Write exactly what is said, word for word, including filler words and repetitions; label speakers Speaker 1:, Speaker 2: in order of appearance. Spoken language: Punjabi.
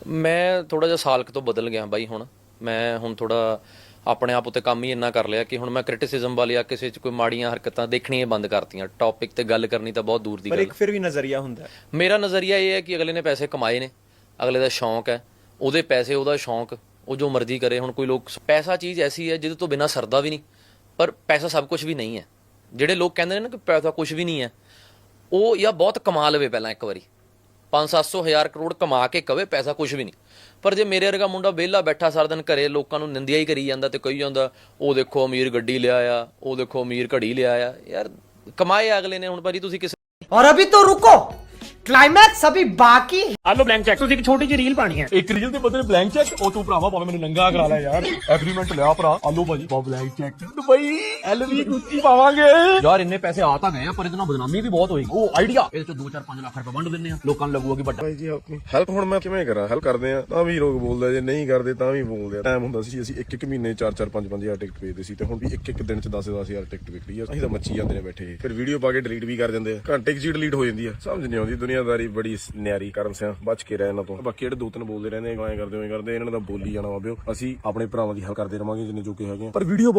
Speaker 1: ਮੈਂ ਥੋੜਾ ਜਿਹਾ ਸਾਲ ਕੁ ਤੋਂ ਬਦਲ ਗਿਆ ਬਾਈ। ਹੁਣ ਮੈਂ ਹੁਣ ਥੋੜਾ ਆਪਣੇ ਆਪ ਉੱਤੇ ਕੰਮ ਹੀ ਇੰਨਾ ਕਰ ਲਿਆ ਕਿ ਹੁਣ ਮੈਂ ਕ੍ਰਿਟਿਸਿਜ਼ਮ ਵਾਲੀ ਆ ਕਿਸੇ 'ਚ ਕੋਈ ਮਾੜੀਆਂ ਹਰਕਤਾਂ ਦੇਖਣੀਆਂ ਬੰਦ ਕਰਤੀਆਂ। ਟੌਪਿਕ ਤੇ ਗੱਲ ਕਰਨੀ ਤਾਂ ਬਹੁਤ ਦੂਰ ਦੀ ਗੱਲ।
Speaker 2: ਪਰ ਇੱਕ ਫਿਰ ਵੀ ਨਜ਼ਰੀਆ ਹੁੰਦਾ।
Speaker 1: ਮੇਰਾ ਨਜ਼ਰੀਆ ਇਹ ਹੈ ਕਿ ਅਗਲੇ ਨੇ ਪੈਸੇ ਕਮਾਏ ਨੇ, ਅਗਲੇ ਦਾ ਸ਼ੌਂਕ ਹੈ, ਉਹਦੇ ਪੈਸੇ, ਉਹਦਾ ਸ਼ੌਂਕ, ਉਹ ਜੋ ਮਰਜ਼ੀ ਕਰੇ। ਹੁਣ ਕੋਈ ਲੋਕ, ਪੈਸਾ ਚੀਜ਼ ਐਸੀ ਹੈ ਜਿਹਦੇ ਤੋਂ ਬਿਨਾਂ ਸਰਦਾ ਵੀ ਨਹੀਂ, ਪਰ ਪੈਸਾ ਸਭ ਕੁਝ ਵੀ ਨਹੀਂ ਹੈ। ਜਿਹੜੇ ਲੋਕ ਕਹਿੰਦੇ ਨੇ ਨਾ ਕਿ ਪੈਸਾ ਕੁਝ ਵੀ ਨਹੀਂ ਹੈ, ਉਹ ਜਾਂ ਬਹੁਤ ਕਮਾ ਲਵੇ ਪਹਿਲਾਂ ਇੱਕ ਵਾਰੀ ਪੰਜ ਸੱਤ ਸੌ ਹਜ਼ਾਰ ਕਰੋੜ ਕਮਾ ਕੇ ਕਵੇ ਪੈਸਾ ਕੁਝ ਵੀ ਨਹੀਂ। ਪਰ ਜੇ ਮੇਰੇ ਵਰਗਾ ਮੁੰਡਾ ਵਿਹਲਾ ਬੈਠਾ ਸਾਰਾ ਦਿਨ ਘਰੇ ਲੋਕਾਂ ਨੂੰ ਨਿੰਦਿਆ ਹੀ ਕਰੀ ਜਾਂਦਾ ਤੇ ਕਹੀ ਜਾਂਦਾ ਉਹ ਦੇਖੋ ਅਮੀਰ ਗੱਡੀ ਲਿਆ ਆ, ਉਹ ਦੇਖੋ ਅਮੀਰ ਘੜੀ ਲਿਆ ਆ, ਯਾਰ ਕਮਾਏ ਅਗਲੇ ਨੇ। ਹੁਣ ਭਾਜੀ ਤੁਸੀਂ ਕਿਸੇ
Speaker 3: और अभी तो रुको, क्लाइमैक्स अभी बाकी।
Speaker 4: ਆਲੋ ਬਲੈਂਕ ਚੈੱਕ ਤੁਸੀਂ ਇੱਕ ਛੋਟੀ ਜਿਹੀ ਰੀਲ ਪਾਣੀ ਹੈ।
Speaker 5: ਇੱਕ ਰੀਲ ਦੇ ਬਦਲੇ ਬਲੈਂਕ ਚੈੱਕ। ਉਹ ਤੂੰ ਭਰਾਵਾ ਭਾਵੇਂ ਮੈਨੂੰ ਨੰਗਾ ਕਰਾ ਲੈ ਯਾਰ, ਐਗਰੀਮੈਂਟ ਲਿਆ ਭਰਾ। ਆਲੋ ਭਾਜੀ ਬਾ blank cheque Dubai LV Gucci ਪਾਵਾਂਗੇ ਯਾਰ। ਇੰਨੇ ਪੈਸੇ ਆ ਤਾਂ ਗਏ ਆ ਪਰ ਇਹਦੇ ਨਾਲ ਬਦਨਾਮੀ ਵੀ ਬਹੁਤ ਹੋਏਗੀ। ਉਹ ਆਈਡੀਆ ਇਹਦੇ ਚ ਦੋ ਚਾਰ ਪੰਜ ਲੱਖ ਰੁਪਏ ਵੰਡ ਦਿੰਨੇ ਆ, ਲੋਕਾਂ ਨੂੰ ਲੱਗੂਗਾ ਕਿ ਵੱਡਾ।
Speaker 6: ਭਾਈ ਜੀ ਹੈਲਪ ਹੁਣ ਮੈਂ ਕਿਵੇਂ ਕਰਾਂ? ਹੈਲਪ ਕਰਦੇ ਆ ਤਾਂ ਵੀ ਲੋਕ ਬੋਲਦੇ, ਜੇ ਨਹੀਂ ਕਰਦੇ ਤਾਂ ਵੀ ਬੋਲਦੇ ਆ। ਟਾਈਮ ਹੁੰਦਾ ਸੀ ਅਸੀਂ ਇੱਕ ਇੱਕ ਮਹੀਨੇ ਚਾਰ ਚਾਰ ਪੰਜ ਪੰਜ ਹਜ਼ਾਰ ਟਿਕਟ ਵੇਚਦੇ ਸੀ, ਤੇ ਹੁਣ ਵੀ ਇੱਕ ਇੱਕ ਦਿਨ ਚ ਦਸ ਦਸ ਹਜ਼ਾਰ ਟਿਕਟ ਵਿਕਦੀ ਆ। ਅਸੀਂ ਤਾਂ ਮੱਚੀ ਜਾਂਦੇ ਨੇ ਬੈਠੇ, ਫਿਰ ਵੀਡੀਓ ਪਾ ਕੇ ਡਿਲੀਟ ਵੀ ਕਰ ਦਿੰਦੇ ਆ, ਘੰਟੇ ਚ ਡਿਲੀਟ ਹੋ ਜਾਂਦੀ ਆ। ਸਮਝ ਨਹੀਂ ਆਉਂਦੀ ਦੁਨੀਆਦਾਰੀ ਬੜੀ ਨਿਆਰੀ। ਕਰਮ ਸਿਆ ਬਚ ਕੇ ਰਹਿ ਇਹਨਾਂ ਤੋਂ। ਬਾਕੀ ਜਿਹੜੇ ਦੋ ਤਿੰਨ ਬੋਲਦੇ ਰਹਿੰਦੇ ਐਂ ਕਰਦੇ ਐਂ ਕਰਦੇ ਇਹਨਾਂ ਦਾ ਬੋਲੀ ਜਾਣਾ ਵਾ ਬਿਓ। ਅਸੀਂ ਆਪਣੇ ਭਰਾਵਾਂ ਦੀ ਹੈਲਪ ਕਰਦੇ ਰਵਾਂਗੇ ਜਿੰਨੇ ਜੋਗੇ ਹੈਗੇ ਆ, ਪਰ ਵੀਡੀਓ